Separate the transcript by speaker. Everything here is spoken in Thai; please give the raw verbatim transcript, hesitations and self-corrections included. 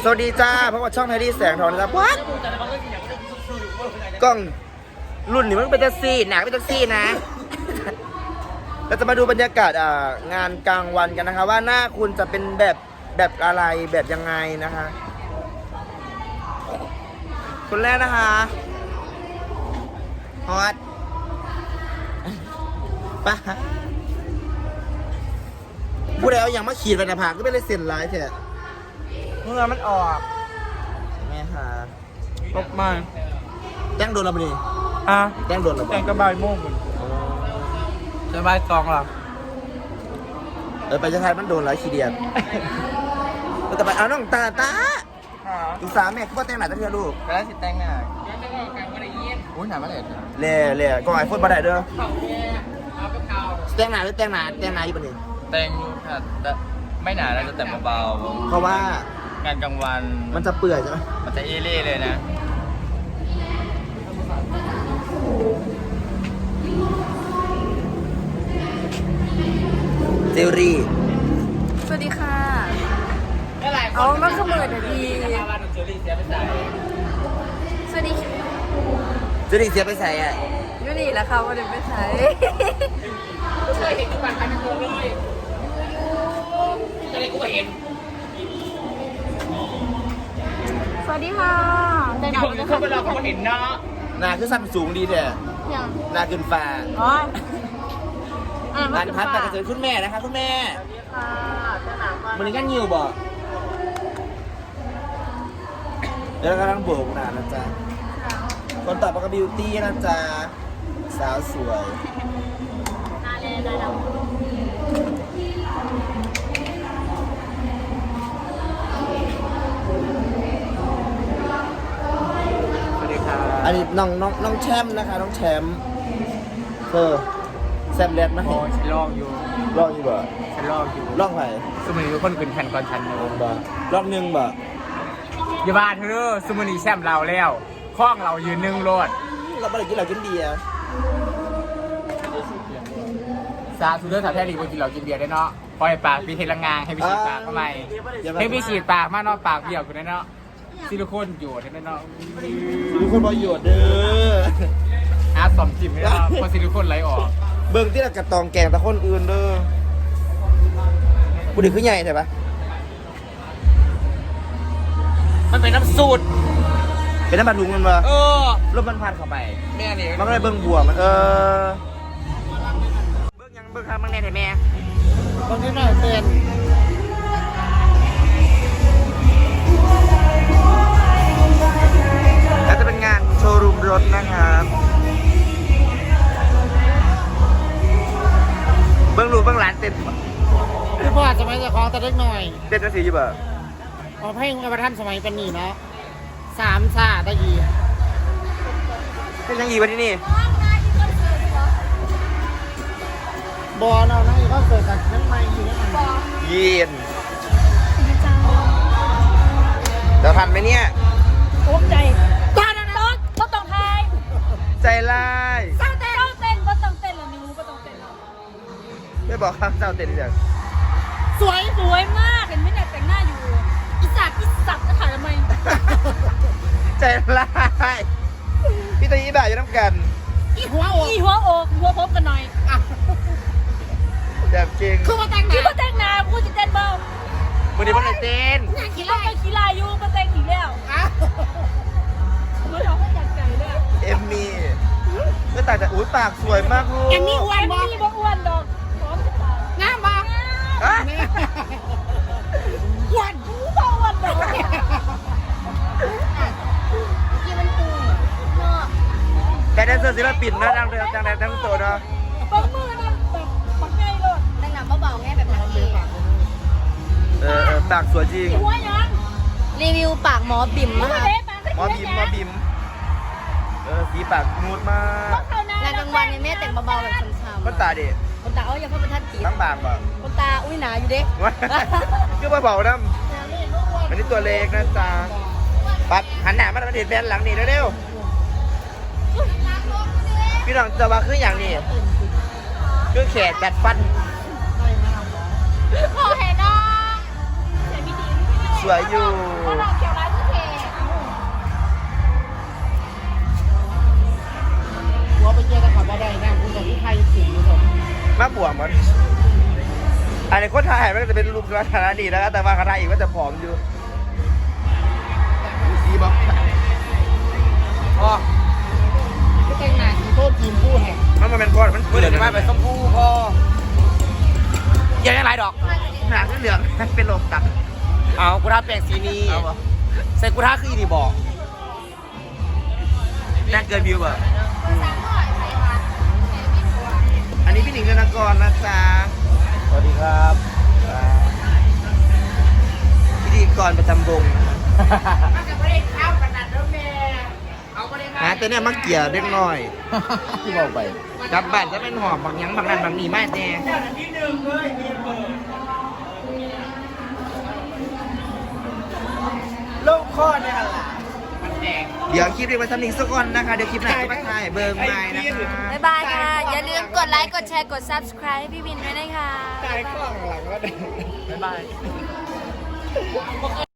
Speaker 1: วัสดีจ้าเพราะว่าช่องไทยดีแสงทองนะครับวัดกล้องรุ่นนี้มันเป็นแท็กซี่หนักเป็นแท็กซี่นะ เราจะมาดูบรรยากาศอ่างานกลางวันกันนะคะว่าหน้าคุณจะเป็นแบบแบบอะไรแบบยังไงนะคะคนแรกนะคะฮอตปะผู้ใดเอาอย่างมาขีดไปนะผากก็ไม่ได้เซ็นไลน์เถอะเมื่อมันออกแม่ค่ะ
Speaker 2: ตกมา
Speaker 1: แจ้งโดนเราไปดิ
Speaker 2: อ่ะ
Speaker 1: แจ้งโดนเรา
Speaker 2: แกงกระบายโม่งคุณจะบายกองหรอ
Speaker 1: เออไปจะทายมันโดนหลายขีเดียดแต่ไปเอาน้องตาตาอีสามแม่ก็แต่งหน้าตั้งเยอะลูก
Speaker 2: ไปแล้วสิแตงหน้าอุ้ยหนามาเลย
Speaker 1: เล่เล่ก็ไอโฟนมาได้เด้อแต่งหน้าหรือแต่งหน้าแต่งหน้าอยู่ปะนี่
Speaker 2: แตงอยู่ค่ะแต่ไม่หนาแล้วจะแต่เบา
Speaker 1: เพราะว่า
Speaker 2: ๆงานกลางวัน
Speaker 1: มันจะเปื่อยใช่ไหม
Speaker 2: มันจะเอเล่เลยนะ
Speaker 1: เจลลี่
Speaker 3: สวัสดีค่ะ เอามันก็เหมือนดี สวัสดีค่ะ
Speaker 1: เจลลี่เสียไปใส่อ่ะ
Speaker 3: ยูนี่แหละค่ะวันนี้ไปใช้
Speaker 2: เคยเห็นทุกวันพันตัวเลยอะไรกูก็เห็น
Speaker 3: สวัสดีค่ะแต่
Speaker 2: ที่ผมเข้าไปรอเขาก็เห็นเนาะ
Speaker 1: หน้าคือสั้นสูงดีแท้
Speaker 3: อย่าง
Speaker 1: หน้าขึ้นฟ้า
Speaker 3: อ๋ออ่าน
Speaker 1: พันพันแต่กระเจิญคุณแม่นะคะคุณแม่
Speaker 3: ค่ะจะหนาวมาก
Speaker 1: มันนี้ก็ยิวบ่เดี๋ยวเรากำลังโบกหน้านะจ๊ะคนต่อไปก็บิวตี้นะจ๊ะสาวสวย
Speaker 3: นาเลนาด
Speaker 2: สวัสดีครับ
Speaker 1: อันนี้น้องน้องน้องแชมป์นะคะน้องแชมป์เออแซมแรดนะ
Speaker 2: โอ้ฉันลองอยู่
Speaker 1: ลองอยู่บ่
Speaker 2: ฉันลองอยู่
Speaker 1: ลองไหน
Speaker 2: สมัยทุกคนขึ้นแข่งก่อนฉันอยู่
Speaker 1: บ่ลองหนึ่งบ่
Speaker 2: อย่าบ้าเธอสมุนีแชมป์เราแล้วคล้องเรายืนหนึ่งโลด
Speaker 1: เราไม่ได้กินเหล้ากินเบียร์
Speaker 2: ซาซูเดอร์สาวแท้ลีกินเรากินเบียร์ได้เนาะปล่อยปากมีเทลังงานให้ไปฉีดปากทำไมให้ไปฉีดปากมาเนาะปากเบี้ยวกูได้เนาะซิลิโคนอยู่ได้เนาะ
Speaker 1: มีคนประโยชน์เด้อ
Speaker 2: อาสมจิมไม่ได้เพราะซิลิโคนไหลออก
Speaker 1: เบิ่งที่ละกระตองแกงตะคนอื่นเด้อผู้ดีขึ้นใหญ่ใช่ปะ
Speaker 2: มันเป็นน้ำสูตร
Speaker 1: เป็นน้ำมันลุงมันมา
Speaker 2: เออ
Speaker 1: ลมมันพัดเข้าไป
Speaker 2: แม่นี่
Speaker 1: มันก็เลยเบิ่งบัวมันเออเบิ่งยังเบิ่งทางมังแน่แต่แม่เบิ่งที่หน่อยเตือนแล้วจะเป็นงานโชว์รูมรถนะครับเบิ่งลูกเบิ่งหลานเต้น
Speaker 4: พี่พ่อสมัยจะคล้องแต่เล็กหน่อย
Speaker 1: เต้นจังสีอยู่บ่
Speaker 4: เอาเพลงกระท่านสมัยเป็นนี่เนาะสามซาตะยี
Speaker 1: เต้นยังอีวันที่นี่
Speaker 4: บอลเรานะอีกก็เกิดจากนั้นไม่อยู่นั่น
Speaker 1: เย็นจะทันไหมเนี่ย
Speaker 3: ตกใจตอนนั้นรถก็ต้องไทย
Speaker 1: ใจร้าย
Speaker 3: เต้นเต้นเต้นก็ต้องเต้นแล้วนิ้วก็ต้องเต้นแล้ว
Speaker 1: ไม่บอกข้ามเจ้าเต้นเดี๋ยว
Speaker 3: สวยสวยมากเห็นไหมเนี่ยแต่งหน้าอยู่อีสัตว์อีสัตว์จะถ่ายทำไม
Speaker 1: ใจร้ายพี่ตาอีบ่าอยู่น้ำกัน
Speaker 4: อีหัวโอ้
Speaker 3: อีหัวอกหัวพบกันหน่อย
Speaker 1: แบบจริง
Speaker 4: คือมาแต่งห
Speaker 3: คิด
Speaker 4: น้า
Speaker 3: ว่าแต่งหน้ากูจะเต้นเบา
Speaker 1: วันนี้มันเลยเต้น
Speaker 3: คิดว่าเป็นกีฬาอยู่มาแต่งอีกแล้วมาทำให้อยากใจเลย
Speaker 1: เอมมี่ก็ต่างจากอุ้ยปากสวยมากลูก
Speaker 4: แอมมี่อ้ว
Speaker 3: แอน ม
Speaker 4: บอ
Speaker 3: มี่บ่อ้วนดอกพร้อมจะตาย
Speaker 4: งามบอ
Speaker 1: อ่ะ
Speaker 4: อ้วน
Speaker 3: กูบ่อ้วนดอกที่มันปูเนาะ
Speaker 1: แค่แดนเซอร์ศิลปินนะดังเดิมดังแดนทั้งตัวเนาะ
Speaker 3: บางมือนั่นแบบปักไงเลย
Speaker 5: แต่งหน้าเบาๆไงแบบนั้นเอง
Speaker 1: เออเออปากสวยจริง
Speaker 3: หัวยัง
Speaker 5: รีวิวปากหมอบิ่ม
Speaker 3: หัว
Speaker 5: มาก
Speaker 3: เล็บ
Speaker 1: หมอบิมหมอบิมเออสีปากนูดมาก
Speaker 5: งานกลางวันเนี่ยแม่แต่งเบาๆแบบช้ำ
Speaker 1: มันตาเด็
Speaker 5: ๆคนตาเอาอย่าเพิ่งเป็นทัดจี
Speaker 1: ทั้งบางป่ะ
Speaker 5: คนตาอุ้ยหนาอยู่เด็ก
Speaker 1: ก็มาเบาน้ำอันนี้ตัวเล็กนะจ๊ะปัดหันหน้ามาทางเด็ดแบนหลังนี่เร็วๆพี่น้องจะว่าคืออย่างนี้คือแขกจัดฟัน
Speaker 3: พอเห็นน้อง
Speaker 1: สวยอยู่
Speaker 3: ถ้าเราเกี่ยวร้ายที่เท
Speaker 4: หัวไปเจอตะขับมาได้นะคุณกับพี่ไทยสิงห์ผม
Speaker 1: มาบวกมันอันนี้คนไทยมันก็จะเป็นรูปลักษณะดีนะครับแต่ว่าคณะอีกก็จะผอมอยู่สีบอกอ๋อ
Speaker 4: ก็แต่งหน้าทีโทษทีมผู้แห่ง
Speaker 1: มันมาเป็นก้อนมัน
Speaker 2: เพื่อนจะมาไปส้มผู้พอยังยังไรดอก
Speaker 1: หนาขึ้นเหลืองเป็นโลกตัด
Speaker 2: เอากูท้าแปลงสีนี้
Speaker 1: เอาปะ
Speaker 2: ใส่กูท้าคืออีนี่บอก
Speaker 1: แน่เกินวิวแบบอันนี้พี่หนิงธนากรนะจ๊ะสวัสดีครับพิธีกรประจำวงหาแต่เนี่ยมักเกี่ยเล็กน้อย
Speaker 2: ที่บอกไป
Speaker 1: กลับบ้านจะเป็นหอบบางหยังบางนั้นบางนี่ไม่แน่โลกข้อเนี่ยล่ะเดี๋ยวคลิปนี้ไว้สำนึกสักก่อนนะคะ เดี๋ยวคลิปหน้าจะมาถ่ายเบิร์ไม้นะคะ
Speaker 5: บ๊ายบายค่ะ อย่าลืมกดไลค์ กดแชร์ กด subscribe ให้พี่วินด้วยนะคะ
Speaker 4: ตายข้างหลังก็ได้
Speaker 2: บ๊ายบาย